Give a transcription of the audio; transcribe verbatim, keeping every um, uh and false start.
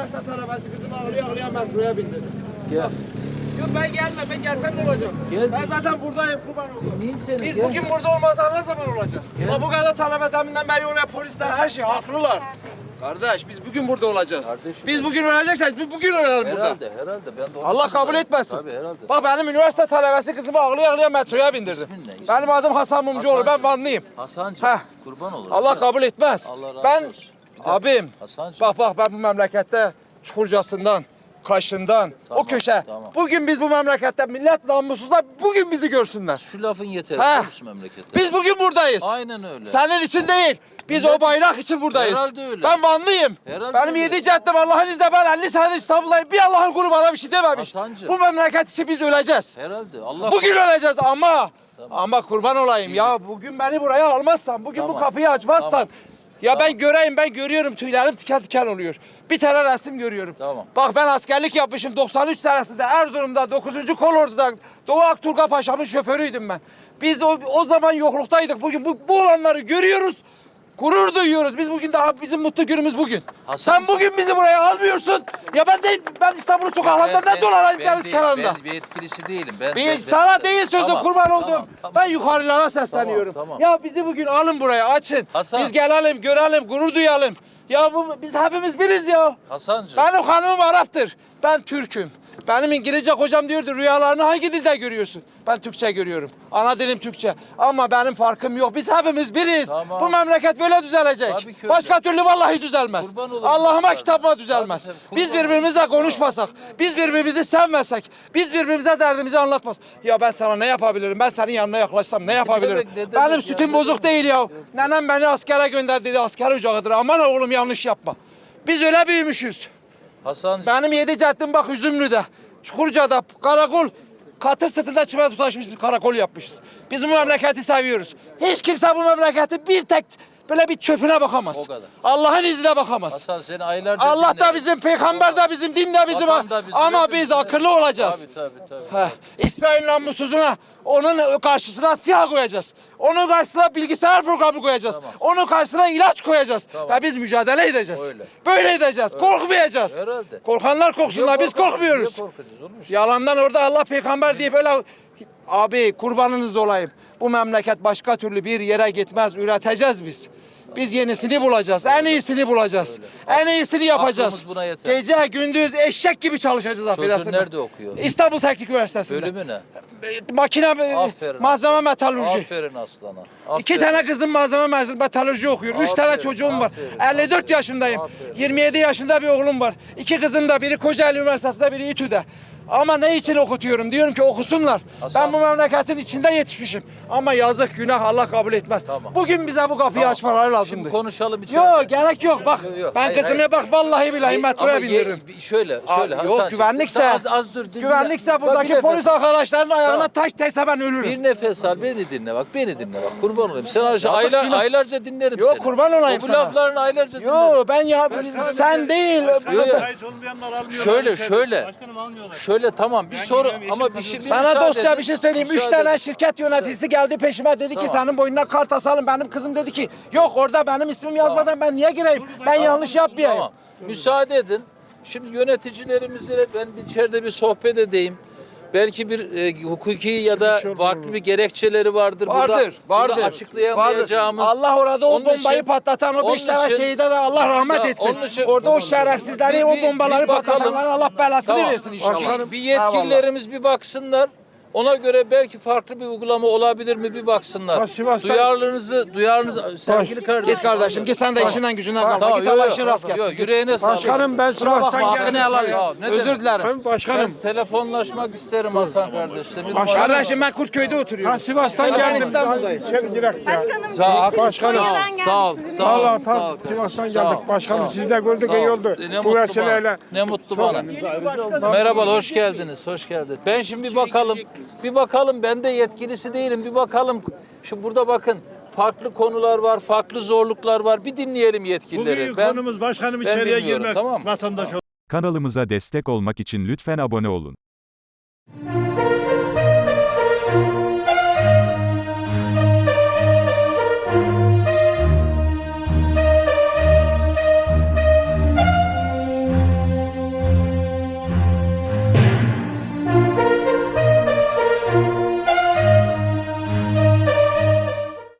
üniversite talebesi kızımı ağlaya ağlaya metroya bindirdim. Gel. Yok ben gelme, ben gelsem ne olacak? Gel. Ben zaten buradayım, kurban oldum. Miyim seni? Biz Gel. bugün burada olmazsa ne zaman olacağız? Ama bu kadar talebe deminden beri oraya polisler her şey haklılar. Kardeş biz bugün burada olacağız. Kardeşim. Biz bugün öleceksek biz bugün ölelim burada. Herhalde, herhalde. Ben de onu Allah kabul düşünüyorum. etmesin. Tabii herhalde. Bak benim üniversite talebesi kızımı ağlaya ağlaya metroya bindirdim. ismin ne? İsmin? Benim adım Hasan Mumcuoğlu, ben Hasancığım. Vanlıyım. Hasancığım, Heh. kurban olurum. Allah kabul etmez. Allah razı ben, olsun. Bir dakika. abim, Hasancığım. bak bak ben bu memlekette Çukurcasından, Kaşından, Tamam, o köşe. tamam. Bugün biz bu memlekette millet namussuzlar bugün bizi görsünler. Şu lafın yeter. Heh. biliyor musun memlekette? Biz bugün buradayız. Aynen öyle. Senin için değil. Biz Millet o bayrak için buradayız. Herhalde öyle. Ben Vanlıyım. Herhalde Benim öyle. yedi caddem Allah'ın izniyle ben elli sene İstanbul'dayım. Bir Allah'ın kulu bana bir şey dememiş. Hasancığım. Bu memleket için biz öleceğiz. Herhalde. Allah Bugün öleceğiz ama Tamam. ama kurban olayım ya bugün beni buraya almazsan, bugün Tamam. bu kapıyı açmazsan Tamam. ya Tamam. ben göreyim ben görüyorum tüylerim tiken tiken oluyor. Bir tane resim görüyorum. Tamam. Bak ben askerlik yapmışım doksan üç senesinde Erzurum'da dokuzuncu Kolordu'da Doğu Akturga Paşa'mın şoförüydüm ben. Biz o, o zaman yokluktaydık. Bugün bu, bu olanları görüyoruz. Gurur duyuyoruz. Biz bugün daha bizim mutlu günümüz bugün. Hasan, sen bugün bizi buraya almıyorsun. Ya ben de ben İstanbul'un sokaklarında ne dolanayım deniz değil- kenarında. Ben bir etkilisi değilim. Ben, Bir, ben- sana ben- değil sözüm Tamam, kurban tamam, oldum. tamam. Ben yukarılara sesleniyorum. Tamam, tamam. Ya bizi bugün alın buraya açın. Hasan. Biz gelelim görelim gurur duyalım. Ya bu biz hepimiz biriz ya. Hasancığım. Benim hanımım Arap'tır. Ben Türk'üm. Benim İngilizce kocam diyordu rüyalarını hangi dilde görüyorsun? Ben Türkçe görüyorum. Ana dilim Türkçe. Ama benim farkım yok. Biz hepimiz biriz. Tamam. Bu memleket böyle düzelecek. Tabii ki öyle. Başka türlü vallahi düzelmez. Kurban olurum. Allah'ıma Tabii. kitabıma düzelmez. Tabii, tabii. Biz Kurban birbirimizle konuşmasak, biz birbirimizi sevmesek, biz birbirimize derdimizi anlatmaz. Ya ben sana ne yapabilirim? Ben senin yanına yaklaşsam ne yapabilirim? demek, ne demek Benim ya, sütüm ne bozuk değil ya. Nenem beni askere gönderdi dedi. Asker ocağıdır. Aman oğlum yanlış yapma. Biz öyle büyümüşüz. Hasancığım. Benim yedi caddim bak Üzümlü'de, Çukurca'da, karakol, katır sırtında çimento taşmış bir karakol yapmışız. Biz bu memleketi seviyoruz. Hiç kimse bu memleketi bir tek böyle bir çöpüne bakamaz. O kadar. Allah'ın izniyle bakamaz. Hasan seni aylarca Allah da dinledim. bizim, peygamber de bizim, din de bizim. Vatan da bizim, Ama hepimiz biz de- akıllı olacağız. Tabii tabii tabii. Heh, İsrail namussuzuna, onun karşısına siyah koyacağız. Onun karşısına bilgisayar programı koyacağız. Tamam. Onun karşısına ilaç koyacağız. Tamam. Ve biz mücadele edeceğiz. Öyle. Böyle edeceğiz. Korkmayacağız. Herhalde. Korkanlar korksunlar. Biz korkacağız, korkmuyoruz. niye korkacağız oğlum? Yalandan orada Allah peygamber diye böyle abi kurbanınız olayım. Bu memleket başka türlü bir yere gitmez. Üreteceğiz biz. Biz yenisini bulacağız. En iyisini bulacağız. En iyisini yapacağız. Aklımız buna yeter. Gece gündüz eşek gibi çalışacağız affedersin. nerede okuyor? İstanbul Teknik Üniversitesi'nde. Bölümü ne? E, Makine, e, Aferin malzeme aslanım. metalurji. Aferin aslana. İki Aferin. tane kızım malzeme mezunu metalurji okuyor. Üç tane Aferin, çocuğum var. aferin, elli dört aferin, yaşındayım. aferin. yirmi yedi yaşında bir oğlum var. İki kızım da biri Kocaeli Üniversitesi'nde biri İTÜ'de. Ama ne için okutuyorum? Diyorum ki okusunlar. Hasan. Ben bu memleketin içinde yetişmişim. Ama yazık günah Allah kabul etmez. Tamam. Bugün bize bu kapıyı Tamam. açmaları lazımdı. Şimdi konuşalım içeride. Yok gerek yok bak. Yok, yok. Ben Hayır, kızımı hayır. bak vallahi billahi Ye- metroya ama ye- bindiririm. Şöyle, Aa, şöyle yok Hasancığım. güvenlikse, Az, az dur. dinle. güvenlikse Bak, buradaki bir polis nefes al. arkadaşların ayağına Tamam. taş değse ben ölürüm. Bir nefes al, beni dinle bak, beni dinle bak. Kurban olayım. Sen aylar, Yazık günah. aylarca dinlerim Yok, seni. kurban olayım o bu sana. laflarını aylarca dinlerim. Yo ben ya sen değil. Yok, yok. Ait olmayanlar almıyorlar. Şöyle, içeri. şöyle. Başkanım almıyorlar. Şöyle tamam bir soru ama bir şey. bir Sana müsaade dostça edin. bir şey söyleyeyim. Üç Müsaade tane edin. şirket yöneticisi geldi peşime dedi ki Tamam. senin boynuna kart asalım. Benim kızım dedi ki yok orada benim ismim yazmadan ben niye gireyim? Ben yanlış yapmayayım. Tamam. Müsaade edin. Şimdi yöneticilerimizle ben bir içeride bir sohbet edeyim. Belki bir e, hukuki ya da farklı bir gerekçeleri vardır. Vardır, burada, vardır. Burada açıklayamayacağımız. Vardır. Allah orada o Onun bombayı için- patlatan o onun beş tane için- şehide de Allah rahmet Ya, etsin. onun için- Orada o şerefsizleri Bir- o bir- bombaları bir bakalım. patlatanlara Allah belasını Tamam. versin inşallah. Bir, bir yetkililerimiz bir baksınlar. Ona göre belki farklı bir uygulama olabilir mi bir baksınlar. Bak, Sivas'ta- Duyarlılığınızı, duyarlılığınızı sevgili kardeşim. Git kardeşim git sen de işinden gücünden kalma. Tamam, Git yok, Allah yok, işin rast yok, gelsin. yüreğine sağlık. Başkanım ben Kusura bakma Sivas'tan hakkını geldim. helal Ya, et. ne Özür demek? dilerim. Ben başkanım. Ben telefonlaşmak isterim Hasan kardeşle. Bir Başkanım. Kardeşim ben Kurtköy'de oturuyorum. Ben Sivas'tan Ben geldim. İstanbul'dayım. İçeri direkt ya. Sağ ol. Başkanım. Sağ ol. Sağ ol. Sağ ol. Vallahi sağ tam ol. Sivas'tan Sağ ol, geldik. Başkanım sağ ol. sizi de gördük Sağ ol. iyi oldu. Ne Bu mutlu bana. vesileyle. Ne mutlu bana. Merhaba, hoş geldiniz. Hoş geldin. Ben şimdi bir bakalım. Bir bakalım. Ben de yetkilisi değilim. Bir bakalım. Şu burada bakın. Farklı konular var, farklı zorluklar var. Bir dinleyelim yetkilileri. Bugün Ben konumuz başkanım ben içeriye dinliyorum, girmek. tamam mı? Vatandaş Kanalımıza destek olmak için lütfen abone olun.